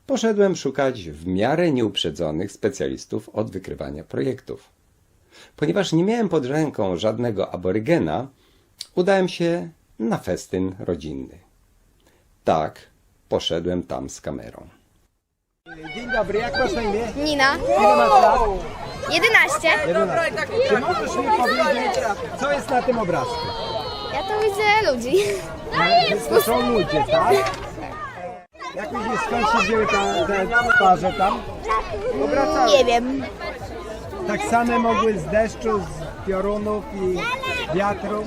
poszedłem szukać w miarę nieuprzedzonych specjalistów od wykrywania projektów. Ponieważ nie miałem pod ręką żadnego aborygena, udałem się na festyn rodzinny. Tak, poszedłem tam z kamerą. Dzień dobry, jak masz na imię? Nina. Ile masz lat? 11. 11. Czy możesz mi powiedzieć, co jest na tym obrazku? Ja tu widzę ludzi. To są ludzie, tak? Jak myślisz, skąd się wzięły te twarze tam? Nie wiem. Tak same mogły z deszczu, z piorunów i wiatru.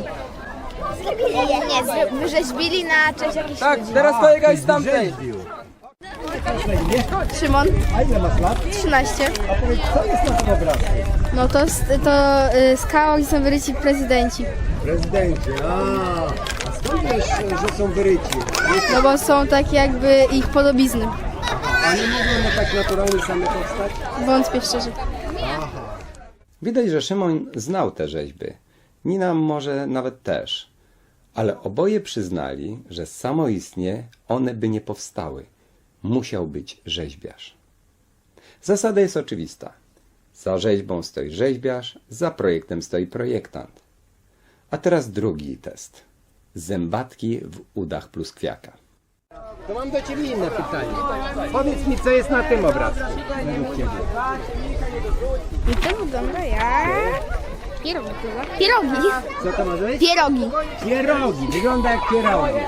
Nie, wyrzeźbili na cześć jakichś Tak, ludzi. teraz kolega jest z tamtej. Wyrzeźbił. Masz na imię? Szymon, A ile masz lat? 13. A powiedz, co jest na tym obrazku? No to skała, gdzie są wyryci prezydenci. Prezydenci, a skąd wiesz, że są wyryci? No bo są takie jakby ich podobizny. A nie mogą one tak naturalnie same powstać? Wątpię szczerze. Widać, że Szymon znał te rzeźby. Nina może nawet też. Ale oboje przyznali, że samoistnie one by nie powstały. Musiał być rzeźbiarz. Zasada jest oczywista. Za rzeźbą stoi rzeźbiarz, za projektem stoi projektant. A teraz drugi test. Zębatki w udach pluskwiaka. To mam do Ciebie inne pytanie. Powiedz mi, co jest na tym obrazku według Ciebie? I to wygląda jak... Pierogi chyba. Pierogi. Co to może być? Pierogi. Pierogi. Wygląda jak pierogi.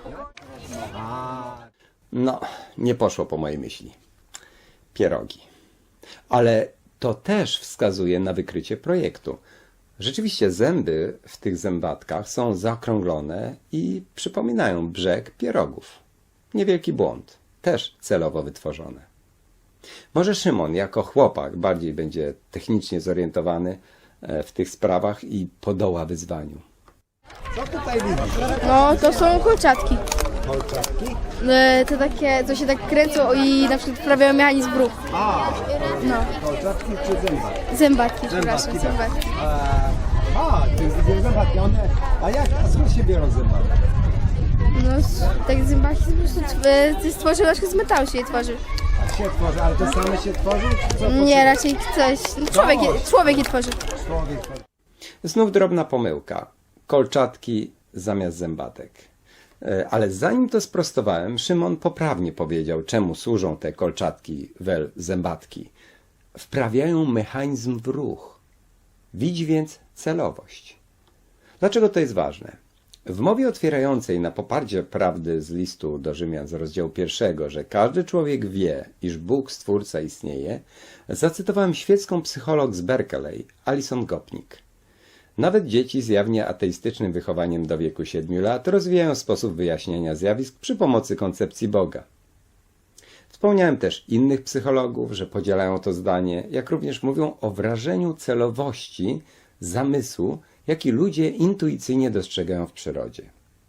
No, nie poszło po mojej myśli. Pierogi. Ale to też wskazuje na wykrycie projektu. Rzeczywiście zęby w tych zębatkach są zaokrąglone i przypominają brzeg pierogów. Niewielki błąd. Też celowo wytworzone. Może Szymon jako chłopak bardziej będzie technicznie zorientowany w tych sprawach i podoła wyzwaniu. Co tutaj widzisz? No to są kolczatki. Kolczatki? To takie, co się tak kręcą i na przykład wprawiają mechanizm w ruch. No. Kolczatki czy zębatki? Zębatki, przepraszam, tak. zębatki. To jest zębatki. A skąd się biorą zębatki? No, tak zębaki po prostu stworzył, na przykład z metalu się je tworzy. A się tworzy, ale to same się tworzy? Czy co to Nie, raczej ktoś, no, człowiek je tworzy. człowiek tworzy? Znów drobna pomyłka. Kolczatki zamiast zębatek. Ale zanim to sprostowałem, Szymon poprawnie powiedział, czemu służą te kolczatki, wel zębatki. Wprawiają mechanizm w ruch. Widzi więc celowość. Dlaczego to jest ważne? W mowie otwierającej na poparcie prawdy z listu do Rzymian z rozdziału 1, że każdy człowiek wie, iż Bóg Stwórca istnieje, zacytowałem świecką psycholog z Berkeley, Alison Gopnik. Nawet dzieci z jawnie ateistycznym wychowaniem do wieku 7 lat rozwijają sposób wyjaśniania zjawisk przy pomocy koncepcji Boga. Wspomniałem też innych psychologów, że podzielają to zdanie, jak również mówią o wrażeniu celowości, zamysłu, jaki ludzie intuicyjnie dostrzegają w przyrodzie.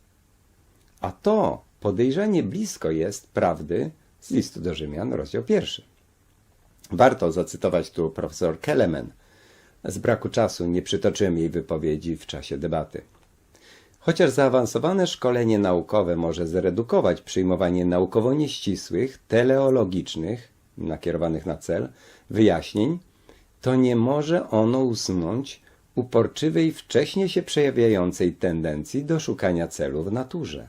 A to podejrzanie blisko jest prawdy z listu do Rzymian, rozdział 1. Warto zacytować tu profesor Kelemen. Z braku czasu nie przytoczyłem jej wypowiedzi w czasie debaty. Chociaż zaawansowane szkolenie naukowe może zredukować przyjmowanie naukowo nieścisłych, teleologicznych, nakierowanych na cel, wyjaśnień, to nie może ono usunąć uporczywej, wcześnie się przejawiającej tendencji do szukania celu w naturze.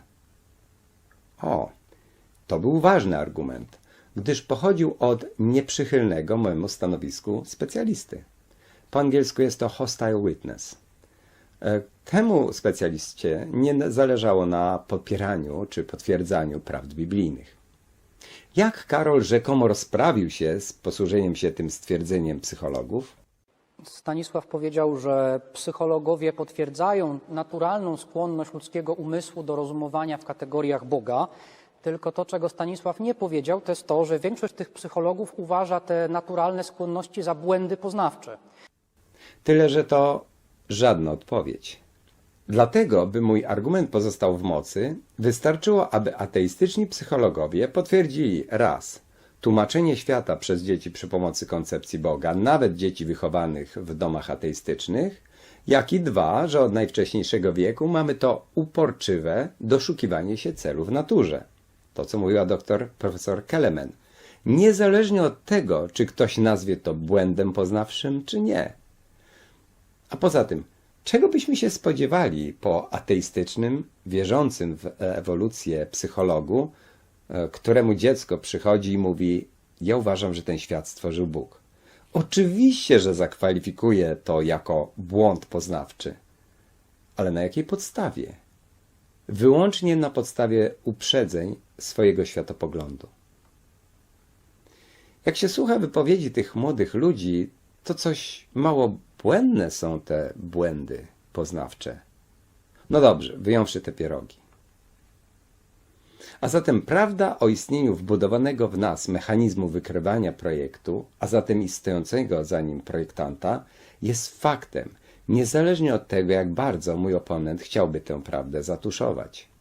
To był ważny argument, gdyż pochodził od nieprzychylnego mojemu stanowisku specjalisty. Po angielsku jest to hostile witness. Temu specjaliście nie zależało na popieraniu czy potwierdzaniu prawd biblijnych. Jak Karol rzekomo rozprawił się z posłużeniem się tym stwierdzeniem psychologów? Stanisław powiedział, że psychologowie potwierdzają naturalną skłonność ludzkiego umysłu do rozumowania w kategoriach Boga, tylko to, czego Stanisław nie powiedział, to jest to, że większość tych psychologów uważa te naturalne skłonności za błędy poznawcze. Tyle, że to żadna odpowiedź. Dlatego, by mój argument pozostał w mocy, wystarczyło, aby ateistyczni psychologowie potwierdzili raz, tłumaczenie świata przez dzieci przy pomocy koncepcji Boga, nawet dzieci wychowanych w domach ateistycznych, jak i dwa, że od najwcześniejszego wieku mamy to uporczywe doszukiwanie się celu w naturze. To, co mówiła profesor Kelemen. niezależnie od tego, czy ktoś nazwie to błędem poznawczym, czy nie. A poza tym, czego byśmy się spodziewali po ateistycznym, wierzącym w ewolucję psychologu, któremu dziecko przychodzi i mówi: ja uważam, że ten świat stworzył Bóg. Oczywiście, że zakwalifikuje to jako błąd poznawczy. Ale na jakiej podstawie? Wyłącznie na podstawie uprzedzeń swojego światopoglądu. Jak się słucha wypowiedzi tych młodych ludzi, to coś mało błędne są te błędy poznawcze. No dobrze, wyjąwszy te pierogi. A zatem prawda o istnieniu wbudowanego w nas mechanizmu wykrywania projektu, a zatem i stojącego za nim projektanta, jest faktem, niezależnie od tego, jak bardzo mój oponent chciałby tę prawdę zatuszować.